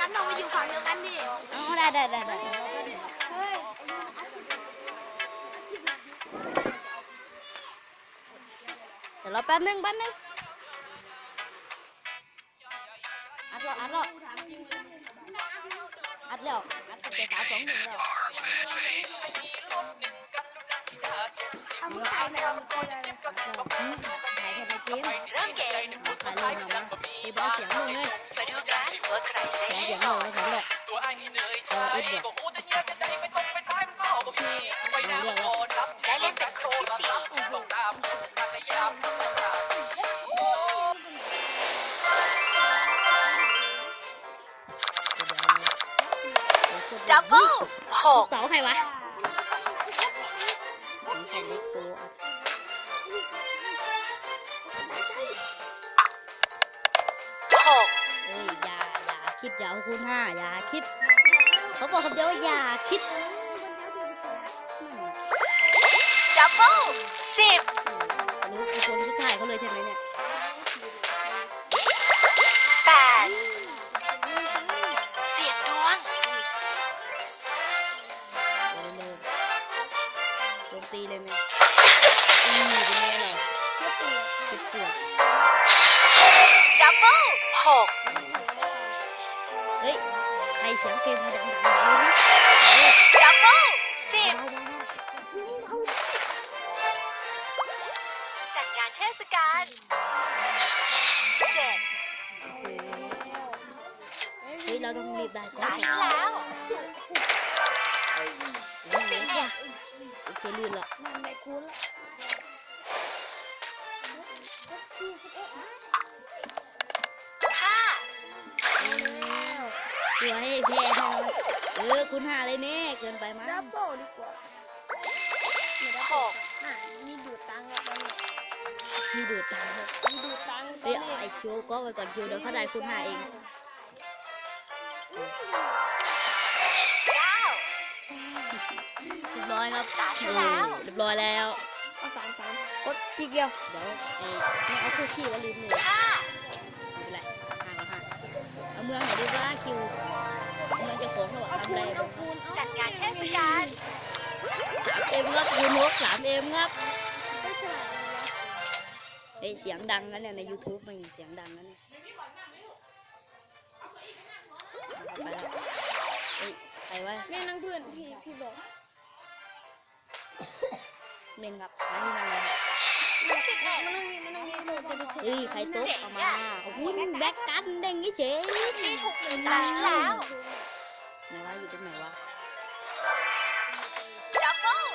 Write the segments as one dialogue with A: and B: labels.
A: นต้องไปอยู่ฝั่งเดียวกันดิ
B: อ๋อได้เดี๋ยวเราแป๊บนึงอัดแล้วอัดแล้วอัดเจ็ดสามสองหนึ่งแล้วถ่ายแค่ในเกม
C: เริ่มเกม
B: ถ่ายเลยเนาะมีบอสเสียงมึงเลย
C: มาดูกันว่าใครจะได้
B: เสียงมึงเลยของแบบ
D: ตัวไอ้เนยใจก็หูจะแยกจะได้ไปตรงไปท้ายมันก็ก็พี่ไปน้ำก่อนรับ
C: ได้เล่นเป็นคนที่สี่
D: ต้องตามพยายาม
C: ดับเบิลหก
B: เสาใครวะใครเล็กโต
C: หก
B: เอ้ยอย่าคิดอย่าคูณ5อย่าคิดเขาบอกคำเดียวว่าอย่าคิด
C: ดับเบิลสิบ
B: สรุปคือคนสุดท้ายเขาเลยใช่ไหมเนี่ย
C: แปดเสียงดวง
B: โจมตีเลยไหมเป็นไงเหรอเจ็บปวด
C: ดับเบิลหก
B: เฮ้ยใครเสียงเกมให้ดังๆเลยนะ
C: ดับเบิลสิบจัดงานเทศกาลเจ็ด
B: เฮ้ยเราต้องรีบได้ก่อน
C: ตาฉันแล้ว
B: 11โอเคลื่นละ
C: ห้า
B: เดี๋ยวให้แพ้คุณ5เลยเนี่ยเกินไปมั้ง
A: ดับเบิลดีกว่า
C: หก
A: มีดูดตังค์แล้วตอนนี้
B: มีดูดตังค์เฮ้ยไอคิวก็ไปก่อนคิวเดี๋ยวเขาได้คุณ5เอง
C: เก้า
B: เรียบร้อยครับเรียบร้อยแล้ว
A: เอา3กดจีเกียว
B: เดี๋ยวไม่เอาคู่ขี้แล้วลืมเลย
C: ห้า
B: ไม่เป็นไร5เอาเมืองไหนดีว่าคิวเมืองจะโค้งเขาบอกทำอะไร
C: จัดงานเทศกาล
B: เอ็มครับยูนก3Mครับเฮ้ยเสียงดังนะเนี่ยใน YouTube มันเสียงดังนะเนี่ยไปแล้วเฮ้ยใครวะ
A: แม่นั่งเพื่อนพี่บอก
B: เมนครับนี่นั่งเลย
A: มานั่งนี่
B: เฮ้ยใครตุ๊กเอามาโอ้โหแบ็กกันเด้งงี้เฉย
C: ที่ถูกหนึ่งตาฉันแล้ว
B: ไหนวะอยู่ตรงไหนวะ
C: ดับเบิล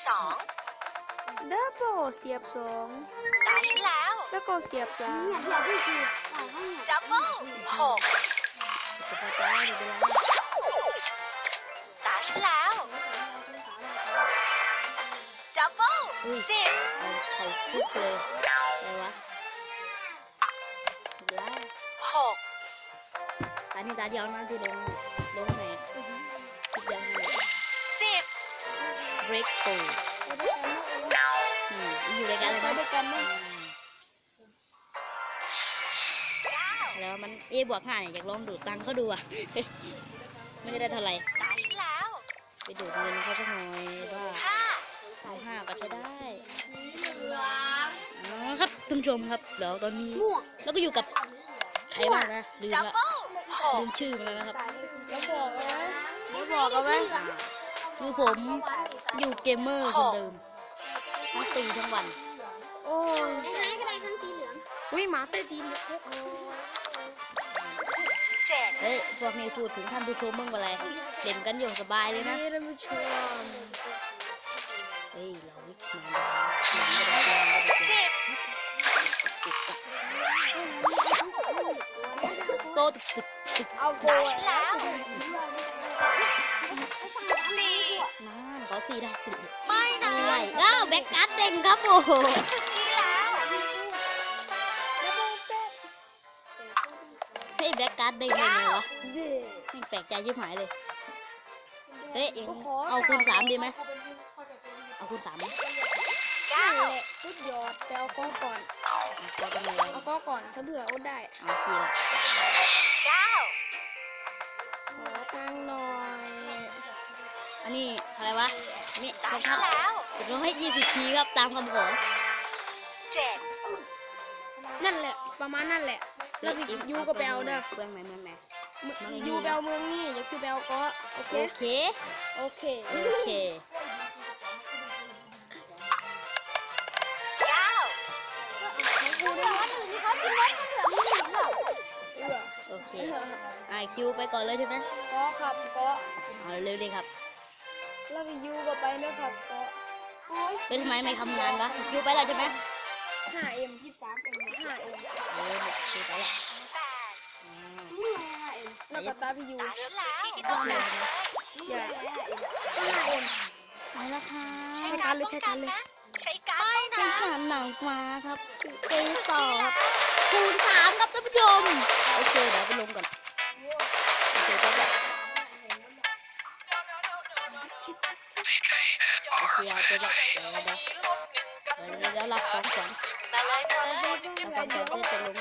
C: 12
A: ดับเบิลเสียบ2
C: ตาฉันแล้ว
A: แล้วก็เสียบ3
C: ดับเบิล6
B: จะพอใจไม่เป็นไร
C: ตาฉันแล้วดับเบิล10
B: เขาคุกเลยอะไรวะไม่เป็นไร
C: 6
B: อันนี้ตาเดียวนะที่ลงไหนทุกอย่างเลย
C: 10
B: break through อยู่ด้วยกันเลยนะแล้วมันบวก5เนี่ยอยากลองดูดตังค์เขาดูอ่ะไม่ได้เท่าไหร่
C: ตาฉันแล้ว
B: ไปดูดเงินเขาสักหน่อยว่า5ก็ใช้ได้ครับท่านผู้ชมครับเดี๋ยวตอนนี้แล้วก็อยู่กับใครบ้างนะลืมชื่อมาแล้วนะครับ
A: แล้วบอกเอาไว้
B: คือผมอยู่เกมเมอร์คนเดิมทั้งปีทั้งวัน
A: โอ้ยก็ได้ทั้งสีเหลืองอุ้ยหมาเต้นดีเลย
C: 7
B: เฮ้ยพวกนี้พูดถึงท่านผู้ชมมึงอะไรเล่นกันอยู่สบายเลยนะ
A: ท่านผู้ชม
B: เฮ้ยเราวิกมาโตตึก
A: เอาโก
C: ตาฉันแล้ว
B: ขอ4ได้4
C: ไม่นะ
B: แบ็กการ์ดเด้งครับโอ้โห
C: ที่แล้ว
B: เฮ้ยแบ็กการ์ดเด้งได้ไงวะไม่แปลกใจยิ่งหายเลยเฮ้ยเอาคูณ3ดีไหมเอาคูณ3ไหม
A: 9สุดยอดแต่เอาก้อนก่อนเอาก้อนก่อนถ้าเบื่ออดได้
B: เอา4ละ
C: 9
B: นี่
C: ตา
B: ค
C: ฉั
B: รั
C: น
B: บ
C: แล้ว
B: 720 ทีครับตามคำขอ
C: 7
A: นั่นแหละประมาณนั่นแหละ แล้วพี่ยูก็ไปเอาเด้อ
B: เมืองไหนเมืองไหน
A: ยูไปเอาเมืองนี่อย่าคือไปเอาเกาะโอเค
B: โอเค
A: โอเค
B: โอเค โอเคคิวไปก่อนเลยใช่ไหม
A: เกาะครับเกาะ
B: เอาเร็วๆเลยครับ
A: แล้วพี่ยูก็ไปนะครับเกาะ
B: ทำไมไม่ทำงานวะคิวไปแล้วใช่ไหม
A: 5M 23M 5M
B: คิวไปแล้ว
A: แล้วก็ตาพี่ยู
C: ตาฉันแล้วที่ที่ต้องการเลย
A: อย่า 5M
B: ไปแล้วค่ะ
C: ใช้การป้องกันนะ ใช้การป้อง
B: เป็
C: กัน น
B: ฐานหนังฟ้าครับซื้อต่อครับคูณ3ครับท่านผู้ชมโอเคเดี๋ยวไปลงก่อนโอเคก็แบบโอเคเอาไปแบบเดี๋ยวรับของขวัญ
C: มาเลยมาเลย
B: รับของขวัญที่จะลง